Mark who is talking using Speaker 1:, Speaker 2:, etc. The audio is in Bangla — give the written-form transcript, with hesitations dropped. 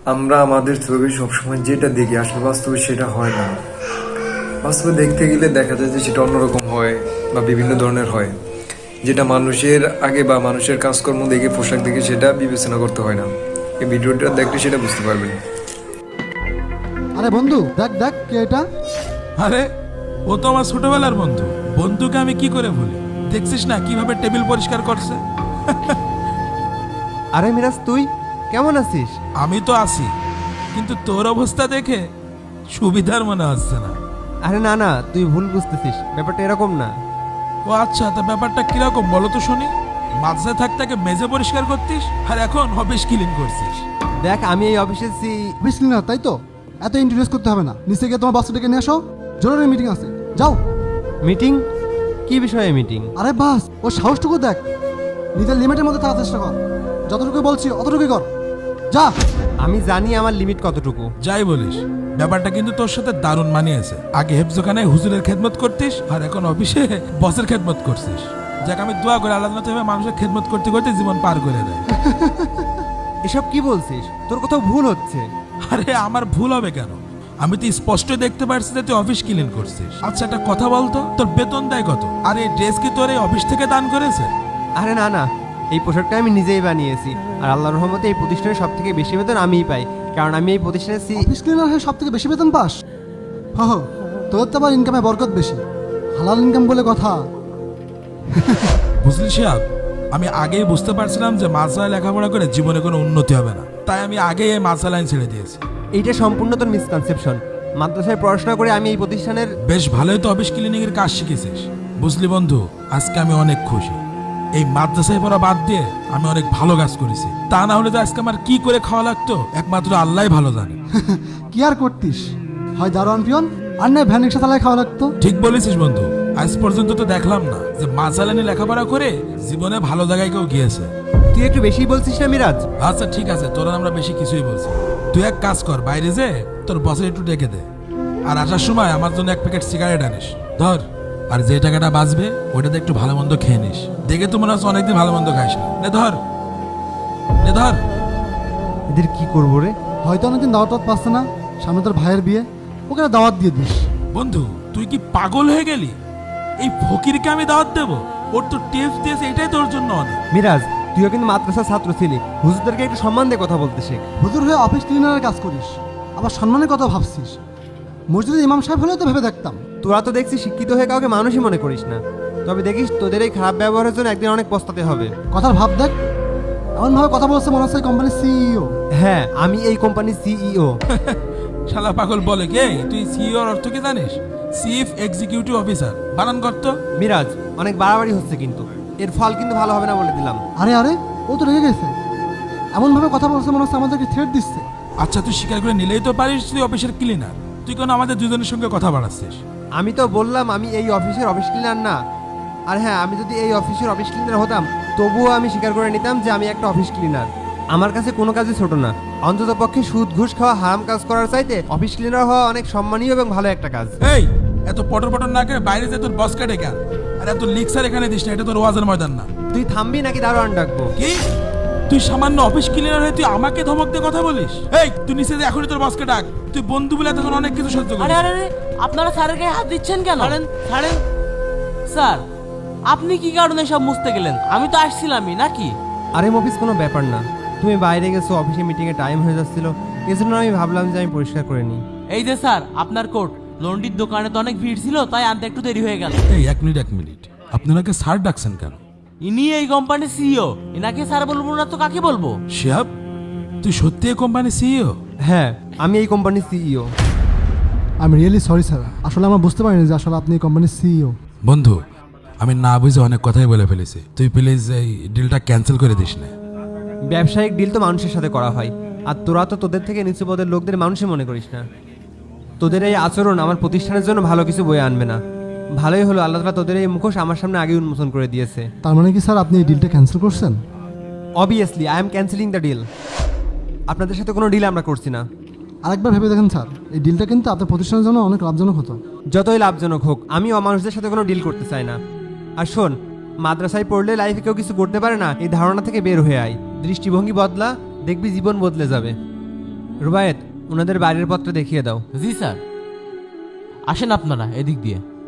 Speaker 1: আমরা আমাদের ছবি সবসময় যেটা দেখি আসলে বাস্তবে সেটা হয় না। বাস্তবে দেখতে গেলে দেখা যায় যে সেটা অন্যরকম হয় বা বিভিন্ন ধরনের হয়, যেটা মানুষের আগে বা মানুষের কাজকর্ম দেখে পোশাক দেখে সেটা বিবেচনা করতে হয় না। এই ভিডিওটা দেখলে সেটা বুঝতে পারবেন।
Speaker 2: আরে বন্ধু, দেখ দেখ কে এটা।
Speaker 3: আরে ও তো আমার ছোটবেলার বন্ধু। বন্ধুকে আমি কি করে ভুলি? দেখছিস না কিভাবে টেবিল পরিষ্কার করছে?
Speaker 4: আরে মিরাজ, তুই কেমন আছিস?
Speaker 3: আমি তো আছি, কিন্তু তোর অবস্থা দেখে সুবিধার মনে হচ্ছে না।
Speaker 4: আরে না না, তুই ভুল বুঝতেছিস, ব্যাপারটা এরকম না।
Speaker 3: ও আচ্ছা, তা ব্যাপারটা কিরকম বলো তো শুনি। মাঝে থাকতে মেজে পরিষ্কার করতিস, আর এখন অফিস ক্লিন করছিস।
Speaker 4: দেখ, আমি এই অফিসে
Speaker 2: অফিস ক্লিনার, তাই তো? এত ইন্ট্রোডিউস করতে হবে না, নিচে গিয়ে তোমার বাচ্চাটাকে নিয়ে আসো, জরুরি মিটিং আছে, যাও।
Speaker 4: মিটিং? কি বিষয়ে মিটিং?
Speaker 2: আরে বাস, ও সাহসটুকু দেখ, নিজের লিমিটের মধ্যে থাকার চেষ্টা কর। যতটুকু বলছি অতটুকুই কর, যা।
Speaker 4: আমি জানি আমার লিমিট কতটুকু।
Speaker 3: যাই বলিস, ব্যাপারটা কিন্তু তোর সাথে দারুণ মানিয়েছে। আগে হেফজোখানে হুজুরের খেদমত করতিস, আর এখন অফিসে বসের খেদমত করছিস। যাক, আমি দোয়া করে আলাদা ভাবে মানুষের খেদমত করতে করতে জীবন পার করে দেয়।
Speaker 4: এসব কি বলছিস? তোর কোথাও ভুল হচ্ছে।
Speaker 3: আরে আমার ভুল হবে কেন? আমি তো স্পষ্ট দেখতে পারছি যে তুই অফিস ক্লিন করছিস। আচ্ছা, একটা কথা বলতো, তোর বেতন দেয় কত? আর এই ড্রেস কি তোর এই অফিস থেকে দান করেছে?
Speaker 4: আরে না না, এই পোশাকটা আমি নিজেই বানিয়েছি। আর আল্লাহর রহমতে এই প্রতিষ্ঠানে সব থেকে বেশি বেতন আমিই পাই, কারণ আমি এই প্রতিষ্ঠানের
Speaker 2: অফিস ক্লিনার হয়ে সব থেকে বেশি বেতন পাস? হো, তোর তো আবার ইনকামে বরকত বেশি, হালাল ইনকাম বলে কথা।
Speaker 3: বুঝলি সাহেব, আমি আগেই বুঝতে পারছিলাম যে মাদ্রাসায় লেখাপড়া করে জীবনে কোনো উন্নতি হবে না, তাই আমি আগেই এই মাদ্রাসা লাইন ছেড়ে দিয়েছি।
Speaker 4: এইটা সম্পূর্ণ তোর মিসকনসেপশন। মাদ্রাসায় পড়াশোনা করে আমি এই প্রতিষ্ঠানের
Speaker 3: বেশ ভালোই তো অফিস ক্লিনিং এর কাজ শিখেছিস। বুঝলি বন্ধু, আজকে আমি অনেক খুশি। এই মাদ্রাসায় পড়া বাদ দিয়ে আমি অনেক ভালো কাজ করেছি। তা না হলে তো আজকে আমার কি করে খাওয়া লাগতো একমাত্র আল্লাহই ভালো জানে।
Speaker 2: কি আর করতিস, হয় দারোয়ান পিয়ন, আর নয় ভ্যান রিক্সা চালায় খাওয়া লাগতো।
Speaker 3: ঠিক বলেছিস বন্ধু, আজ পর্যন্ত তো দেখলাম না যে মাসালানি লেখাপড়া করে জীবনে ভালো জায়গায় কেউ গিয়েছে।
Speaker 4: তুই একটু বেশি বলছিস না মিরাজ?
Speaker 3: আচ্ছা ঠিক আছে, তোরা আমরা বেশি কিছুই বলছি। তুই এক কাজ কর, বাইরে যে তোর বসের একটু ডেকে দে, আর আসার সময় আমার জন্য এক প্যাকেট সিগারেট আনিস। ধর, আর যে টাকাটা বাঁচবে ওইটাতে একটু ভালো মন্দ খেয়ে নিস। দেখে তো মনে হচ্ছে অনেকদিন ভালো মন্দ খাইস না। নে ধর, নে ধর।
Speaker 4: এদের কি করবো রে?
Speaker 2: হয়তো অনেকদিন দাওয়াত পাচ্ছে না, সামনে তোর ভাইয়ের বিয়ে, ওকে দাওয়াত দিয়ে দিস।
Speaker 3: বন্ধু, তুই কি পাগল হয়ে গেলি? এই ফকিরকে আমি দাওয়াত দেবো? ওর তো টেস্ট দিয়েছে, এটাই তোর জন্য অনেক।
Speaker 4: মিরাজ, তুইও কিন্তু মাদ্রাসার ছাত্র ছিলি, হুজুরদেরকে একটু সম্মান দিয়ে কথা বলতে শেখ।
Speaker 2: হুজুর হয়ে অফিস ক্লিনারের কাজ করিস, আবার সম্মানের কথা ভাবছিস। মসজিদের ইমাম সাহেব হলেও তো ভেবে দেখতাম।
Speaker 4: তোরা তো দেখছি শিক্ষিত হয়ে কাউকে মানুষই মনে করিস না। তবে দেখিস, তোদের এই খারাপ ব্যবহারের জন্য একদিন অনেক পস্তাতে হবে।
Speaker 2: কথার ভাব দেখ, এমনভাবে কথা বলছে মনে হচ্ছে কোম্পানির সিইও।
Speaker 4: হ্যাঁ, আমি এই কোম্পানির সিইও।
Speaker 3: শালা পাগল বলে কে? তুই সিইওর অর্থ কি জানিস? Chief executive officer. বানান করত।
Speaker 4: মিরাজ, অনেক বাড়াবাড়ি হচ্ছে কিন্তু, এর ফল কিন্তু ভালো হবে না বলে দিলাম।
Speaker 2: আরে আরে, ও তো রেগে গেছে, এমনভাবে কথা বলছে মনে হচ্ছে আমাদেরকে থ্রেট দিচ্ছে।
Speaker 3: আচ্ছা, তুই স্বীকার করে নিলেই তো পারিস তুই অফিসের ক্লিনার। তুই কেন আমাদের দুজনের সঙ্গে কথা বাড়াচ্ছিস?
Speaker 4: আমি তো বললাম আমি এই অফিসের অফিস ক্লিনার না। আর হ্যাঁ, আমি যদি এই অফিসের অফিস ক্লিনার হতাম, তবুও আমি স্বীকার করে নিতাম যে আমি একটা অফিস ক্লিনার। আমার কাছে কোনো কাজই ছোট না। অন্তত পক্ষে সুদ ঘুষ খাওয়া হারাম কাজ করার চাইতে অফিস ক্লিনার হওয়া অনেক সম্মানীয় এবং ভালো একটা কাজ।
Speaker 3: এই, এত পটর পটর না করে বাইরে যে তোর বসকে ডেকে আন। আর এত লিক্সার এখানে দিস না, এটা তোর ওয়াজের ময়দান না।
Speaker 4: তুই থামবি নাকি দারোয়ান ডাকবো?
Speaker 3: কি? তুই সামান্য অফিস ক্লিনার হয়ে তুই আমাকে ধমক দিয়ে কথা বলিস? এই, তুই নিচে যে এখনই তোর বসকে ডাক। তুই বন্ধু বলে তখন অনেক কিছু সহ্য
Speaker 5: আরে
Speaker 3: করিস।
Speaker 5: আরে আরে, আপনারা স্যারের গায়ে হাত দিচ্ছেন কেন? ছাড়েন ছাড়েন। স্যার, আপনি কি কারণে সব মুছতে গেলেন? আমি তো আসছিলামই নাকি?
Speaker 4: আরে মফিস, কোনো ব্যাপার না। তুমি বাইরে গেছো, অফিসে মিটিংয়ে টাইম হয়ে যাচ্ছিল, এজন্য আমি ভাবলাম যে আমি পরিষ্কার করে নিই।
Speaker 5: এই যে স্যার, আপনার কোট। লন্ডির দোকানে তো অনেক ভিড় ছিল, তাই আনতে একটু দেরি হয়ে গেল।
Speaker 3: এই এক মিনিট, আপনাকে স্যার ডাকছেন কেন?
Speaker 5: ইনি এই কোম্পানির সিইও, এনাকে স্যার বলবো না তো কাকে বলবো?
Speaker 3: শিহাব, তুই সত্যি এই কোম্পানির সিইও?
Speaker 4: হ্যাঁ, আমি এই কোম্পানির CEO.
Speaker 2: I am really sorry sir, আসলে আমরা বুঝতে পারিনি যে আসলে আপনি এই কোম্পানির সিইও।
Speaker 3: বন্ধু, আমি না বুঝে অনেক কথাই বলে ফেলেছি। তুই প্লিজ এই ডিলটা ক্যান্সেল করে দিস না।
Speaker 4: ব্যবসায়িক ডিল তো মানুষের সাথে করা হয়, আর তোরা তো তোদের থেকে নিচু পদের লোকদের মানুষই মনে করিস না। তোদের এই আচরণ আমার প্রতিষ্ঠানের জন্য ভালো কিছু বয়ে আনবে না। ভালোই হলো আল্লাহ তাআলা তোদের এই মুখোশ আমার সামনে আগে উন্মোচন করে দিয়েছে।
Speaker 2: তার মানে কি স্যার আপনি এই ডিলটা ক্যান্সেল করছেন?
Speaker 4: Obviously I am cancelling the deal. আপনাদের সাথে কোনো ডিল আমরা করছি না।
Speaker 2: আরেকবার ভেবে দেখেন স্যার, এই ডিলটা কিন্তু আপনার প্রতিষ্ঠানের জন্য অনেক লাভজনক হতো।
Speaker 4: যতই লাভজনক হোক, আমি অমানুষদের সাথে কোনো ডিল করতে চাই না। আর শোন, মাদ্রাসায় পড়লে লাইফে কেউ কিছু করতে পারে না, এই ধারণা থেকে বের হয়ে আয়। দৃষ্টিভঙ্গি বদলা, দেখবি জীবন বদলে যাবে। রুবায়েত ওনাদের বাড়ির পত্র দেখিয়ে দাও।
Speaker 5: জি স্যার, আসেন আপনারা এদিক দিয়ে।